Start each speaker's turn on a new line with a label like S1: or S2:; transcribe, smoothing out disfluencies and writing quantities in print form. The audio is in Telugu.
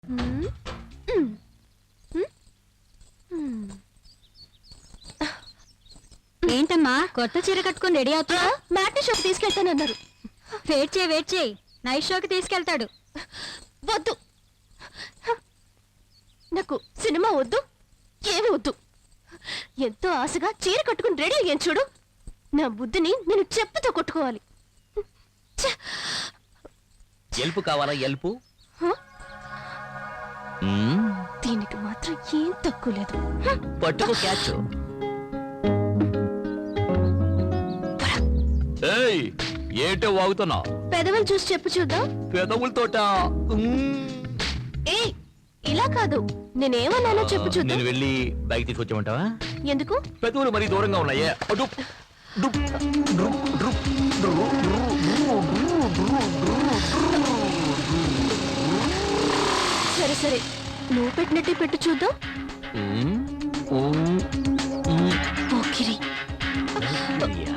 S1: హ్మ్. హ్మ్. హ్మ్. హ్మ్.
S2: ఏంటమ్మా కొత్త చీర కట్టుకుని రెడీ అవుతున్నా?
S1: మ్యాట్ని షోకి తీసుకెళ్తానన్నారు.
S2: వెయిట్ చేయి నైట్ షోకి తీసుకెళ్తాడు.
S1: వద్దు, నాకు సినిమా వద్దు, ఏమి వద్దు. ఎంతో ఆశగా చీర కట్టుకుని రెడీ అయ్యాను చూడు. నా బుద్ధిని నేను చెప్పుతో కొట్టుకోవాలి. ఛ!
S3: ఎల్పు కావాలా ఎల్పు?
S1: హ?
S3: మ్మ్.
S1: దీనికి మాత్రం ఏం తక్కువ లేదు.
S3: పట్టుకో క్యాచ్. ఏయ్ ఏంటో వాగుతున్నా?
S1: పెదవులు చూసి చెప్పు చూద్దాం.
S3: పెదవులతోట
S1: ఏయ్, ఇలా కాదు, నేనేమన్నానో చెప్పు చూద్దాం.
S3: నేను వెళ్ళి బైక్ తీసుకొచ్చామంటావా?
S1: ఎందుకు?
S3: పెదవులు మరీ దూరంగా ఉన్నాయే. అటు డుప్, డ్రుప్, డ్రుప్, డ్రు, డ్రు, డ్రు, డ్రు, డ్రు, డ్రు, డ్రు.
S1: సరే సరే, నువ్వు పెట్టినట్టే పెట్టు చూద్దాం.
S3: మ్మ్. మ్మ్. మ్మ్.
S1: పోకిరి.
S3: యా.